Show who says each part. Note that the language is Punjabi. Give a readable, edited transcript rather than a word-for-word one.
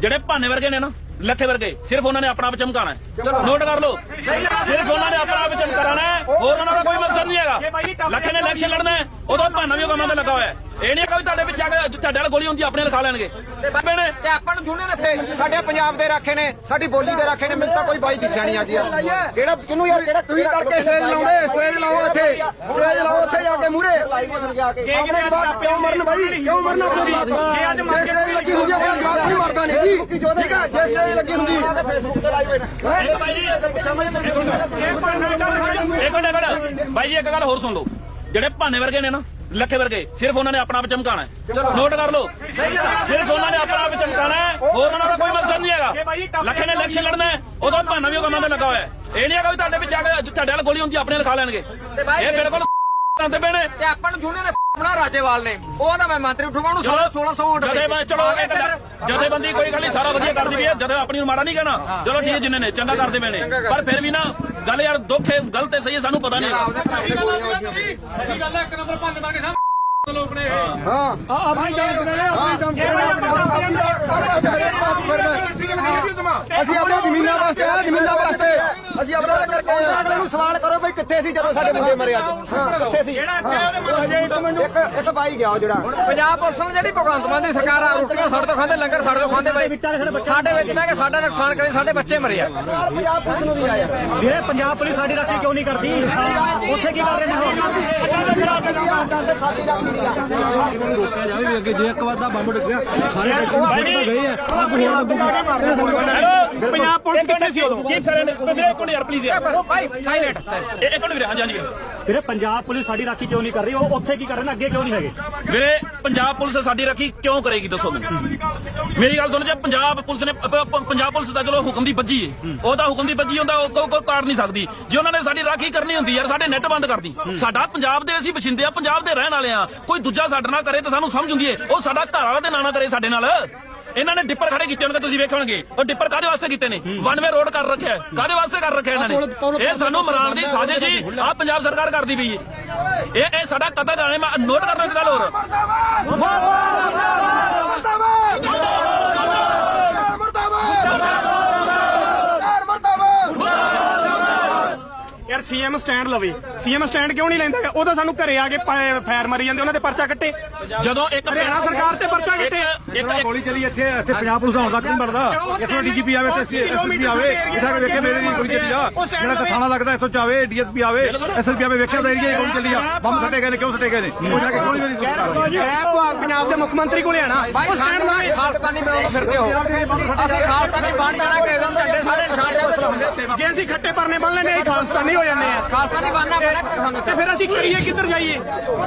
Speaker 1: ਜਿਹੜੇ ਭਾਨੇ ਵਰਗੇ ਨੇ ਨਾ ਲੱਖੇ ਵਰਗੇ ਸਿਰਫ ਉਹਨਾਂ ਨੇ ਆਪਣਾ ਆਪ ਚਮਕਾਣਾ ਹੈ। ਨੋਟ ਕਰ ਲਓ, ਸਿਰਫ ਉਹਨਾਂ ਨੇ ਆਪਣਾ ਆਪ ਚਮਕਾਣਾ ਹੈ, ਹੋਰ ਉਹਨਾਂ ਦਾ ਕੋਈ ਮਕਸਦ ਨਹੀਂ ਹੈਗਾ। ਲੱਖੇ ਨੇ ਇਲੈਕਸ਼ਨ ਲੜਨਾ ਹੈ, ਉਦੋਂ ਭਾਨਾ ਵੀ ਉਹ ਕੰਮਾਂ ਤੇ ਲੱਗਾ ਹੋਇਆ ਹੈ। ਇਹ ਨਹੀਂ ਹੈਗਾ ਵੀ ਤੁਹਾਡੇ ਪਿੱਛੇ ਆ ਕੇ ਤੁਹਾਡੇ ਨਾਲ ਗੋਲੀ ਹੁੰਦੀ ਆਪਣੇ ਲਿਖਾ ਲੈਣਗੇ
Speaker 2: ਤੇ ਆਪਾਂ ਨੂੰ ਜੂਨੇ ਨੇ
Speaker 3: ਸਾਡੇ ਪੰਜਾਬ ਦੇ ਰਾਖੇ ਨੇ, ਸਾਡੀ ਬੋਲੀ ਦੇ ਰਾਖੇ ਨੇ। ਮੈਨੂੰ ਤਾਂ ਕੋਈ ਬਾਈ ਦਿਸਿਆ ਨਹੀਂ ਅੱਜ ਯਾਰ ਕਿਹੜਾ ਕਿਹਨੂੰ ਯਾਰ ਕਿਹੜਾ ਤੁਸੀਂ ਕਰਕੇ ਸਟੇਜ ਲਾਉਂਦੇ, ਸਟੇਜ ਲਾਓ ਇੱਥੇ, ਸਟੇਜ ਲਾਓ ਉੱਥੇ ਜਾ ਕੇ ਮੂਹਰੇ ਆਪਣੇ ਜਵਾਬ ਕਿਉਂ ਮਰਨ ਬਾਈ, ਕਿਉਂ ਮਰਨ ਆਪਣੇ ਜਵਾਬ ਜੇ ਅੱਜ ਸਟੇਜ ਲੱਗੀ ਹੁੰਦੀ ਆਪਣਾ ਜਵਾਬ ਕੋਈ ਮਰਦਾ ਨਹੀਂ ਜੀ, ਠੀਕ ਹੈ ਜੇ ਸਟੇਜ ਲੱਗੀ ਹੁੰਦੀ ਫੇਸਬੁੱਕ ਤੇ ਲਾਈਵ
Speaker 1: ਇੱਕ ਮਿੰਟ ਬਾਈ ਜੀ ਇੱਕ ਗੱਲ ਹੋਰ ਸੁਣ ਲਓ, ਜਿਹੜੇ ਭਾਨੇ ਵਰਗੇ ਨੇ ਨਾ ਲੱਖੇ ਵਰਗੇ ਸਿਰਫ ਉਹਨਾਂ ਨੇ ਆਪਣਾ ਆਪ ਚਮਕਾਣਾ ਹੈ। ਨੋਟ ਕਰ ਲਓ, ਸਿਰਫ ਉਹਨਾਂ ਨੇ ਆਪਣਾ ਆਪ ਚਮਕਾਣਾ ਹੈ, ਹੋਰ ਉਹਨਾਂ ਦਾ ਕੋਈ ਮਕਸਦ ਨਹੀਂ ਹੈਗਾ। ਲੱਖੇ ਨੇ ਇਲੈਕਸ਼ਨ ਲੜਨਾ ਹੈ, ਉਦੋਂ ਭਾਨਾ ਵੀ ਉਹ ਕੰਮਾਂ ਤੇ ਲੱਗਾ ਹੋਇਆ ਹੈ। ਇਹ ਨਹੀਂ ਹੈਗਾ ਵੀ ਤੁਹਾਡੇ ਪਿੱਛੇ ਆ ਕੇ ਤੁਹਾਡੇ ਨਾਲ ਗੋਲੀ ਹੁੰਦੀ ਆਪਣੇ ਲਿਖਾ ਲੈਣਗੇ। ਇਹ ਬਿਲਕੁਲ ਕਰਦੇ ਪਏ ਨੇ।
Speaker 2: ਤੇ ਆਪਾਂ ਨੂੰ ਜੂਨੇ ਨੇ ਬਣਾ ਰਾਜੇਵਾਲ ਨੇ, ਉਹ ਤਾਂ ਮੈਂ ਮੰਤਰੀ ਉਠੂਗਾ ਉਹਨੂੰ 1600 ਵੋਟ
Speaker 1: ਚਲੋ ਜਥੇਬੰਦੀ ਕੋਈ ਗੱਲ ਨਹੀਂ, ਸਾਰਾ ਵਧੀਆ ਕਰਦੀ ਵੀ ਹੈ, ਜਦੋਂ ਆਪਣੀ ਨੂੰ ਮਾੜਾ ਨਹੀਂ ਕਹਿਣਾ। ਚਲੋ ਠੀਕ ਜਿੰਨੇ ਨੇ ਚੰਗਾ ਕਰਦੇ ਪਏ ਨੇ, ਪਰ ਫਿਰ ਵੀ ਨਾ ਗੱਲ ਯਾਰ ਦੁੱਖ ਹੈ, ਗਲਤ ਹੈ, ਸਹੀ ਹੈ, ਸਾਨੂੰ ਪਤਾ ਨਹੀਂ ਹੈਗਾ।
Speaker 3: ਅਸੀਂ ਆਪਣੇ ਜ਼ਮੀਨਾਂ ਵਾਸਤੇ ਆ, ਜ਼ਮੀਨਾਂ ਵਾਸਤੇ ਅਸੀਂ ਆਪਣਾ ਕਰਕੇ ਨੂੰ ਸਵਾਲ ਕਰੋ ਬਈ ਕਿੱਥੇ ਸੀ ਜਦੋਂ ਸਾਡੇ ਮੁੰਡੇ ਮਰੇ ਅੱਜ, ਕਿੱਥੇ ਸੀ? ਇੱਕ ਬਾਈ ਗਿਆ ਜਿਹੜਾ
Speaker 2: ਪੰਜਾਬ ਪੁਲਿਸ ਨੇ ਜਿਹੜੀ ਭਗਵੰਤ ਮਾਨ ਦੀ ਸਰਕਾਰ ਆ ਰੋਟੀਆਂ ਸਾਡੇ ਤੋਂ ਖਾਂਦੇ, ਲੰਗਰ ਸਾਡੇ ਤੋਂ ਖਾਂਦੇ ਬਾਈ, ਸਾਡੇ ਵਿੱਚ ਮੈਂ ਕਿ ਸਾਡਾ ਨੁਕਸਾਨ ਕਰੇ, ਸਾਡੇ ਬੱਚੇ ਮਰੇ ਆ।
Speaker 3: ਪੰਜਾਬ ਪੁਲਿਸ ਨੂੰ ਵੀ ਆਇਆ
Speaker 4: ਵੀਰੇ, ਪੰਜਾਬ ਪੁਲਿਸ ਸਾਡੀ ਰਾਖੀ ਕਿਉਂ ਨਹੀਂ ਕਰਦੀ? ਉੱਥੇ ਕੀ ਕਰ ਰਹੇ ਨੇ?
Speaker 3: ਸਾਡੀ ਰਾਖੀ ਦੀ ਆ
Speaker 5: ਰੋਕਿਆ ਜਾਵੇ ਵੀ ਅੱਗੇ ਜੇ ਇੱਕ ਵਾਰ ਦਾ ਬੰਬ ਡਿੱਗਿਆ ਸਾਰੇ ਗਏ ਆ।
Speaker 1: ਪੰਜਾਬ ਪੁਲਿਸ ਕਿੱਥੇ ਸੀ ਉਦੋਂ? ਕੀ ਸਾਰੇ ਨੇ ਇੱਕ ਮਿੰਟ ਯਾਰ ਪਲੀਜ਼ ਯਾਰ
Speaker 2: ਭਾਈ ਸਾਇਲੈਂਟ
Speaker 1: ਇੱਕ ਮਿੰਟ ਵੀਰੇ, ਹਾਂਜੀ ਹਾਂਜੀ
Speaker 4: ਵੀਰੇ, ਪੰਜਾਬ ਪੁਲਿਸ ਸਾਡੀ ਰਾਖੀ ਕਿਉਂ ਨਹੀਂ ਕਰ ਰਹੀ? ਉਹ ਉੱਥੇ ਕੀ ਕਰ ਰਹੇ ਨੇ, ਅੱਗੇ ਕਿਉਂ ਨਹੀਂ ਹੈਗੇ?
Speaker 1: ਵੀਰੇ ਪੰਜਾਬ ਪੁਲਿਸ ਸਾਡੀ ਰਾਖੀ ਕਿਉਂ ਕਰੇਗੀ ਦੱਸੋ ਮੈਨੂੰ। ਮੇਰੀ ਗੱਲ ਸੁਣ, ਜੇ ਪੰਜਾਬ ਪੁਲਿਸ ਨੇ ਪੰਜਾਬ ਪੁਲਿਸ ਦਾ ਚਲੋ ਹੁਕਮ ਦੀ ਬੱਜੀ ਹੈ, ਉਹਦਾ ਹੁਕਮ ਦੀ ਬੱਜੀ ਹੁੰਦਾ, ਉਹ ਕੋਈ ਕਾਰ ਨਹੀਂ ਸਕਦੀ। ਜੇ ਉਹਨਾਂ ਨੇ ਸਾਡੀ ਰਾਖੀ ਕਰਨੀ ਹੁੰਦੀ ਯਾਰ ਸਾਡੇ ਨੈੱਟ ਬੰਦ ਕਰਦੀ। ਸਾਡਾ ਪੰਜਾਬ ਦੇ ਅਸੀਂ ਵਸਿੰਦੇ ਆ, ਪੰਜਾਬ ਦੇ ਰਹਿਣ ਵਾਲੇ ਆ, ਕੋਈ ਦੂਜਾ ਸਾਡੇ ਨਾਲ ਕਰੇ ਤਾਂ ਸਾਨੂੰ ਸਮਝ ਹੁੰਦੀ ਹੈ। ਉਹ ਸਾਡਾ ਘਰ ਵਾਲਾ ਤੇ ਨਾ ਕਰੇ ਸਾਡੇ ਨਾਲ। ਇਹਨਾਂ ਨੇ ਡਿੱਪਰ ਖੜੇ ਕੀਤੇ ਹੋਣਗੇ, ਤੁਸੀਂ ਵੇਖੇ ਹੋਣਗੇ। ਉਹ ਡਿੱਪਰ ਕਾਹਦੇ ਵਾਸਤੇ ਕੀਤੇ ਨੇ? ਵਨ ਵੇ ਰੋਡ ਕਰ ਰੱਖਿਆ, ਕਾਹਦੇ ਵਾਸਤੇ ਕਰ ਰੱਖਿਆ ਇਹਨਾਂ ਨੇ? ਇਹ ਸਾਨੂੰ ਮਰਾਉਣ ਦੀ ਸਾਜ਼ਿਸ਼ ਹੀ ਆ ਪੰਜਾਬ ਸਰਕਾਰ ਕਰਦੀ ਪਈ ਹੈ। ਇਹ ਸਾਡਾ ਕਤਲ ਕਰਨੇ। ਮੈਂ ਨੋਟ ਕਰਨਾ ਇੱਕ ਗੱਲ ਹੋਰ,
Speaker 6: ਯਾਰ ਸੀਐਮ ਸਟੈਂਡ ਲਵੇ, ਸੀਐਮ ਸਟੈਂਡ ਕਿਉਂ ਨਹੀਂ ਲੈਂਦਾ? ਉਹ ਤਾਂ ਸਾਨੂੰ ਘਰੇ ਆ ਕੇ ਫਾਇਰ ਮਾਰੀ ਜਾਂਦੇ, ਉਹਨਾਂ ਦੇ ਪਰਚਾ ਕੱਟੇ।
Speaker 1: ਜਦੋਂ ਇੱਕ
Speaker 6: ਹਰਿਆਣਾ ਸਰਕਾਰ ਤੇ ਪਰਚਾ ਕੱਟੇ।
Speaker 1: ਇੱਕ
Speaker 5: ਗੋਲੀ ਚਲੀ ਇੱਥੇ ਪੰਜਾਬ ਪੁਲਿਸ ਦਾ ਹੁੰਦਾ ਕਿਉਂ ਮਰਦਾ? ਇੱਥੋਂ ਡੀਜੀਪੀ ਆਵੇ ਤੇ ਐਸਐਸਪੀ ਆਵੇ, ਇੱਥੇ ਆ ਕੇ ਵੇਖੇ ਮੇਰੇ ਦੀ ਗੋਲੀ ਚੱਲੀ ਆ। ਜਿਹੜਾ ਥਾਣਾ ਲੱਗਦਾ ਇੱਥੋਂ ਚਾਵੇ, ਡੀਐਸਪੀ ਆਵੇ, ਐਸਐਸਪੀ ਆਵੇ, ਵੇਖਿਆ ਉਹਦਾ ਏਰੀਆ ਗੋਲੀ ਚੱਲੀ ਆ, ਬੰਬ ਸੱਟੇ ਗਏ ਨੇ, ਕਿਉਂ ਸੱਟੇ ਗਏ ਨੇ? ਉਹ ਜਾ ਕੇ ਗੋਲੀ ਮੇਰੀ
Speaker 6: ਪੰਜਾਬ ਦੇ ਮੁੱਖ ਮੰਤਰੀ ਕੋਲੇ ਆਣਾ
Speaker 2: ਭਾਈ ਸਾਨੂੰ ਖਾਲਸਤਾਨੀ ਬਣਾਉਣ ਫਿਰਦੇ ਹੋ। ਅਸੀਂ ਖਾਲਸਤਾਨੀ ਬਣ ਜਾਣਾ ਕਿ एकदम ਝੰਡੇ ਸਾਡੇ ਨਿਸ਼ਾਨ ਦੇ ਹੁੰਦੇ ਉੱਥੇ।
Speaker 6: ਜੇ ਅਸੀਂ ਖੱਟੇ ਪਰਨੇ ਬੰਨ ਲੈਨੇ ਖਾਲਸਤਾਨੀ ਹੋ ਜਾਂਦੇ ਆ।
Speaker 2: ਖਾਲਸਤਾਨੀ ਬਣਨਾ ਪੈਣਾ ਸਾਨੂੰ
Speaker 6: ਤੇ ਫਿਰ ਅਸੀਂ ਕਰੀਏ ਕਿੱਧਰ ਜਾਈਏ?